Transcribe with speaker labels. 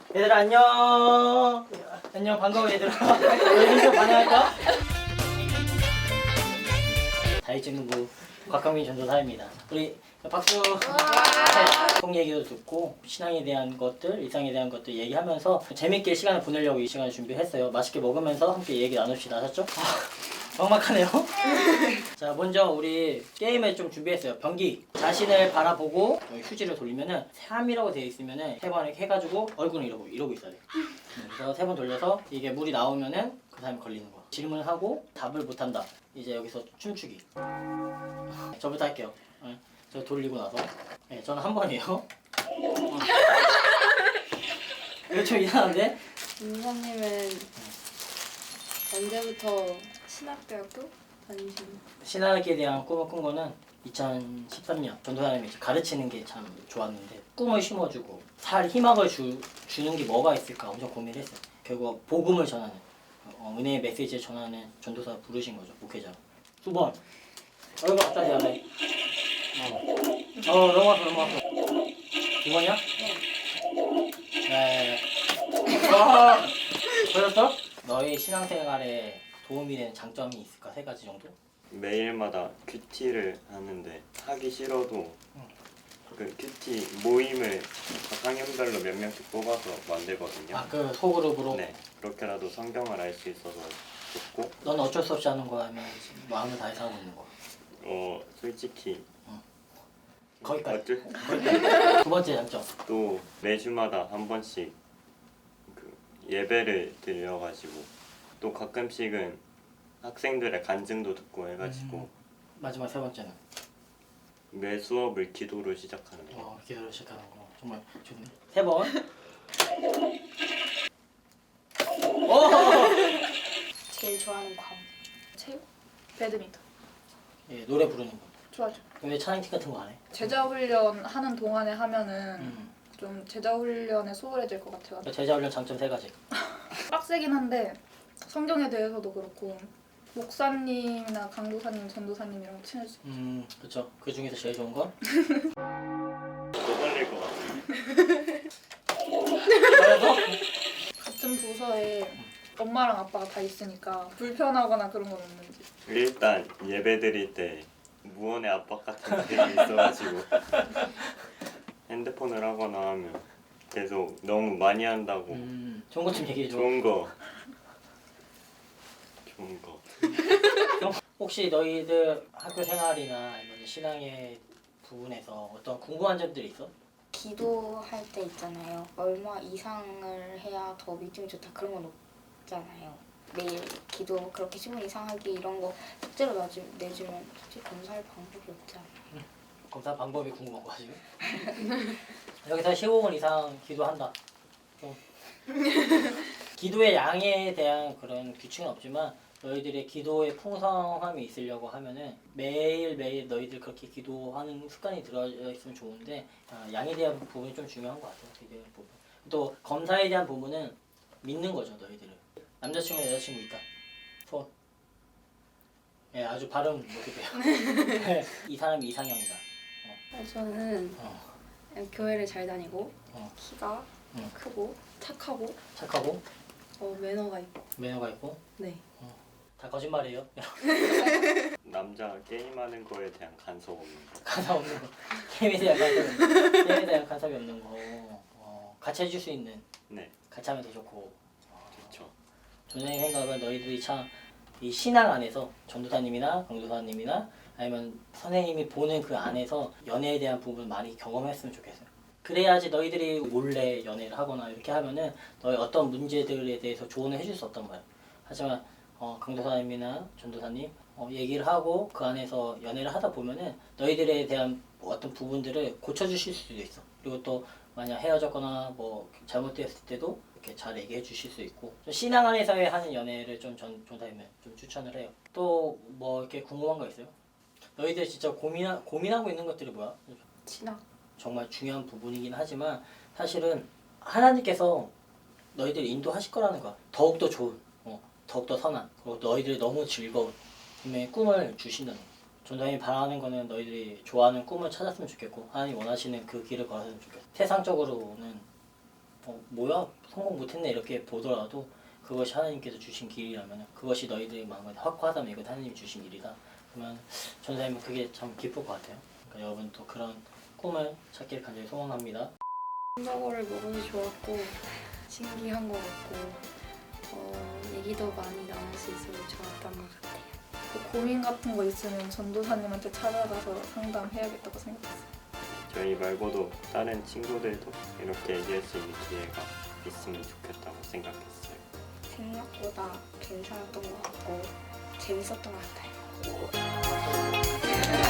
Speaker 1: 얘들아 안녕. 안녕 반가워 얘들아. 우리 인사 반영할까? 다이증부 곽강민 전도사입니다. 우리 박수. 속 얘기도 듣고 신앙에 대한 것들, 일상에 대한 것들 얘기하면서 재밌게 시간을 보내려고 이 시간을 준비했어요. 맛있게 먹으면서 함께 얘기 나눕시다. 아셨죠? 막막하네요. 자, 먼저 우리 게임을 좀 준비했어요. 변기. 자신을 바라보고 여기 휴지를 돌리면은 3이라고 되어 있으면은 3번 이렇게 해가지고 얼굴은 이러고 있어야 돼. 그래서 3번 돌려서 이게 물이 나오면은 그 사람이 걸리는 거. 질문을 하고 답을 못한다. 이제 여기서 춤추기. 저부터 할게요. 네, 저 돌리고 나서. 네, 저는 한 번이에요. 이거 좀 이상한데?
Speaker 2: 민사님은 언제부터 신학대학교 다니시는?
Speaker 1: 신학에 대한 꿈을 꾼 거는 2013년 전도사님이 가르치는 게 참 좋았는데 꿈을 심어주고 살 희망을 주는 게 뭐가 있을까 엄청 고민했어요. 결국 복음을 전하는 은혜의 메시지를 전하는 전도사 부르신 거죠. 목회자. 두 번. 얼굴 갑자기 하네. 넘어갔어. 두 번이야? 네. 와. 보였어? 너의 신앙생활에 도움이 되는 장점이 있을까? 3가지 정도?
Speaker 3: 매일마다 큐티를 하는데 하기 싫어도 그 큐티 모임을 각 학년별로 몇 명씩 뽑아서 만들거든요.
Speaker 1: 아, 그 소그룹으로?
Speaker 3: 네, 그렇게라도 성경을 알 수 있어서 좋고
Speaker 1: 넌 어쩔 수 없이 하는 거야? 아니면 마음을 다해서 하고 있는 거야?
Speaker 3: 솔직히
Speaker 1: 거기까지.
Speaker 3: 어쩔
Speaker 1: 두 번째 장점.
Speaker 3: 또 매주마다 한 번씩 그 예배를 드려가지고 또 가끔씩은 학생들의 간증도 듣고 해가지고
Speaker 1: 마지막 3번째는
Speaker 3: 매 수업을 기도로 시작하는 거.
Speaker 1: 기도를 시작하는 거 정말 좋네. 3번.
Speaker 2: 제일 좋아하는 과목? 체육? 배드민턴.
Speaker 1: 예, 노래 부르는 거.
Speaker 2: 좋아죠.
Speaker 1: 왜 찬양팀 같은 거 안 해?
Speaker 4: 제자 훈련 하는 동안에 하면은 좀 제자 훈련에 소홀해질 것 같아요.
Speaker 1: 제자 훈련 장점 3가지.
Speaker 4: 빡세긴 한데 성경에 대해서도 그렇고 목사님이나 강도사님, 전도사님이랑 친해질 수 있어요.
Speaker 1: 그렇죠. 그 중에서 제일 좋은 건?
Speaker 3: 또 떨릴 것 같아요.
Speaker 1: 그래서
Speaker 4: 같은 부서에 엄마랑 아빠가 다 있으니까 불편하거나 그런 건 없는지.
Speaker 3: 일단 예배 드릴 때 무언의 압박 같은 것들이 있어가지고 핸드폰을 하거나 하면 계속 너무 많이 한다고
Speaker 1: 좋은 것 좀 얘기해줘.
Speaker 3: 좋은 거
Speaker 1: 혹시 너희들 학교 생활이나 아니면 신앙의 부분에서 어떤 궁금한 점들이 있어?
Speaker 2: 기도할 때 있잖아요. 얼마 이상을 해야 더 믿음이 좋다 그런 건 없잖아요. 매일 기도 그렇게 10분 이상 하기 이런 거 숙제로 내주면 솔직히 검사할 방법이 없잖아요.
Speaker 1: 검사 방법이 궁금한 거야 지금? 여기서 15분 이상 기도한다. 좀. 기도의 양에 대한 그런 규칙은 없지만 너희들의 기도의 풍성함이 있으려고 하면은 매일매일 너희들 그렇게 기도하는 습관이 들어있으면 좋은데 양에 대한 부분이 좀 중요한 것 같아요. 기도의 부분. 또 검사에 대한 부분은 믿는 거죠. 너희들은. 남자친구 여자친구 있다. 손. 예, 아주 발음 못해요. 이 사람이 이상형이다.
Speaker 2: 저는 교회를 잘 다니고 키가
Speaker 1: 응.
Speaker 2: 크고 착하고
Speaker 1: 착하고
Speaker 2: 매너가 있고.
Speaker 1: 매너가 있고
Speaker 2: 네.
Speaker 1: 다 거짓말이에요.
Speaker 3: 남자 게임하는 거에 대한 간섭 없는 거.
Speaker 1: 간섭 없는 거. 게임에 대한 간섭이 없는 거. 같이 해줄 수 있는.
Speaker 3: 네,
Speaker 1: 같이 하면 더 좋고.
Speaker 3: 좋죠.
Speaker 1: 전생의 생각은 너희들이 참 이 신앙 안에서 전도사님이나 강도사님이나 아니면 선생님이 보는 그 안에서 연애에 대한 부분 많이 경험했으면 좋겠어요. 그래야지 너희들이 몰래 연애를 하거나 이렇게 하면은 너희 어떤 문제들에 대해서 조언을 해줄 수 없단 말이야. 하지만 강도사님이나 전도사님 얘기를 하고 그 안에서 연애를 하다 보면은 너희들에 대한 어떤 부분들을 고쳐주실 수도 있어. 그리고 또 만약 헤어졌거나 뭐 잘못되었을 때도 이렇게 잘 얘기해 주실 수 있고 좀 신앙 안에서의 하는 연애를 좀 전도사님은 좀 추천을 해요. 또 뭐 이렇게 궁금한 거 있어요? 너희들 진짜 고민하고 있는 것들이 뭐야?
Speaker 2: 신학.
Speaker 1: 정말 중요한 부분이긴 하지만 사실은 하나님께서 너희들 인도하실 거라는 거야. 더욱더 좋은, 더욱더 선한, 그리고 너희들이 너무 즐거운 분명히 꿈을 주신다는 거야. 전도사님이 바라는 거는 너희들이 좋아하는 꿈을 찾았으면 좋겠고 하나님 원하시는 그 길을 걸었으면 좋겠어. 세상적으로는 뭐야 성공 못했네 이렇게 보더라도 그것이 하나님께서 주신 길이라면 그것이 너희들의 마음에 확고하다면 이건 하나님이 주신 일이다. 그러면 전사님은 그게 참 기쁠 것 같아요. 그러니까 여러분도 그런 꿈을 찾기를 간절히 소원합니다.
Speaker 2: 햄버거를 먹어서 좋았고 신기한 것 같고 얘기도 많이 나눌 수 있어서 좋았던 것 같아요.
Speaker 4: 그 고민 같은 거 있으면 전도사님한테 찾아가서 상담해야겠다고 생각했어요.
Speaker 3: 저희 말고도 다른 친구들도 이렇게 얘기할 수 있는 기회가 있으면 좋겠다고 생각했어요.
Speaker 2: 생각보다 괜찮았던 것 같고 재밌었던 것 같아요.